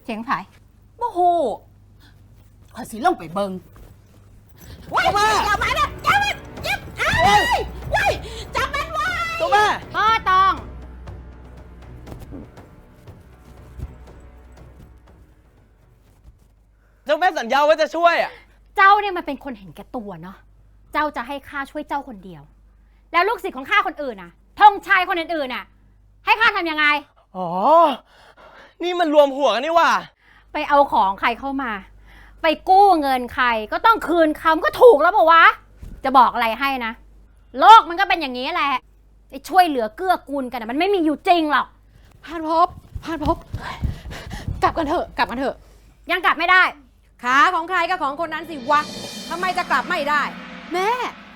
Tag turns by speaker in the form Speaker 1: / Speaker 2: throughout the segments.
Speaker 1: เสียงไผ
Speaker 2: บ่โหข่อยสิลงไปเบิ่งว้ายอย่ามานะอย่ามาจับว้ายจับมันไว้
Speaker 3: ตัวแม่
Speaker 1: พ่อตอง
Speaker 3: เจ้าแม่สัญญาว่าจะช่วยอ่ะ
Speaker 1: เจ้าเนี่ยมันเป็นคนเห็นแก่ตัวเนาะเจ้าจะให้ข้าช่วยเจ้าคนเดียว แล้วลูกศิษย์ของข้าคนอื่นน่ะธงชัยคนอื่นๆน่ะให้ข้าทำยังไง
Speaker 3: อ๋อนี่มันรวมหัวกันนี่ว่า
Speaker 1: ไปเอาของใครเข้ามาไปกู้เงินใครก็ต้องคืนคำก็ถูกแล้วป่าวะจะบอกอะไรให้นะโลกมันก็เป็นอย่างนี้แหละไอ้ช่วยเหลือเกื้อกูลกันนะมันไม่มีอยู่จริงหรอก
Speaker 2: พานพบกลับกันเถอะ
Speaker 1: ยังกลับไม่ได้
Speaker 2: ขาของใครก็ของคนนั้นสิวะทำไมจะกลับไม่ได้แม่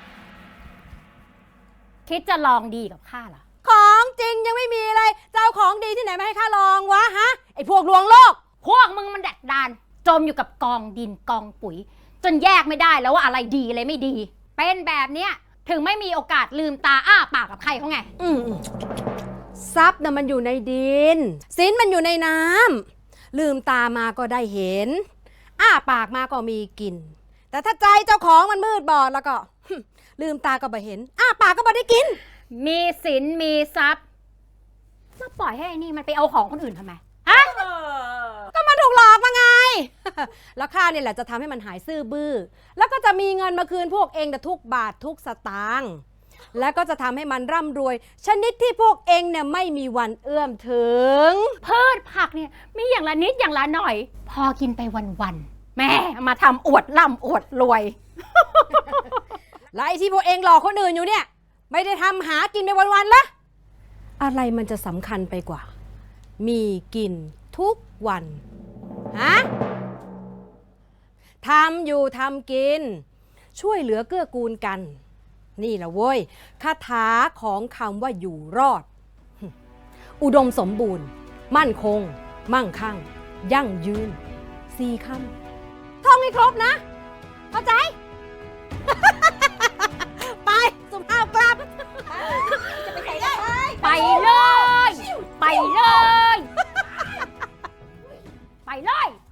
Speaker 1: คิดจะลองดีกับข้าเหรอ
Speaker 2: ของจริงยังไม่มีเลยเจ้าของดีที่ไหนมาให้ข้าลองวะฮะไอ้พวกลวงโลก
Speaker 1: พวกมึงมันดักดานจมอยู่กับกองดินกองปุ๋ยจนแยกไม่ได้แล้วว่าอะไรดีอะไรไม่ดีเป็นแบบเนี้ยถึงไม่มีโอกาสลืมตาอ้าปากกับใครเขาไง
Speaker 2: ทรัพย์น่ะมันอยู่ในดินสินมันอยู่ในน้ำลืมตามาก็ได้เห็นอ้าปากมาก็มีกินแต่ถ้าใจเจ้าของมันมืดบอดแล้วก็ลืมตาก็ไม่เห็นอ้าปากก็ไม่ได้กิน
Speaker 1: มีสินมีทรัพย์มาปล่อยให้ไอ้นี่มันไปเอาของคนอื่นทำไมฮะ
Speaker 2: ก็มันถูกหลอกมาไง แล้วข้าเนี่ยแหละจะทำให้มันหายซื่อบื้อแล้วก็จะมีเงินมาคืนพวกเองทุกบาททุกสตางค์แล้วก็จะทำให้มันร่ำรวยชนิดที่พวกเองเนี่ยไม่มีวันเอื้อมถึง
Speaker 1: พืชผักเนี่ยมีอย่างละนิดอย่างละหน่อยพอกินไปวันๆแม่มาทำอวดร่ำอวดรวย
Speaker 2: แล้วไอ้ที่พวกเองหลอกคนอื่นอยู่เนี่ยไม่ได้ทำหากินไปวันๆละอะไรมันจะสำคัญไปกว่ามีกินทุกวันฮะทำอยู่ทำกินช่วยเหลือเกื้อกูลกันนี่แหละเว้ยคาถาของคำว่าอยู่รอดอุดมสมบูรณ์มั่นคงมั่งคั่งยั่งยืน4 คำท่องให้ครบนะเข้าใจ ไปสุภาพกลับจะไปไหนได้
Speaker 1: ไปเลยไปเลยไปเลย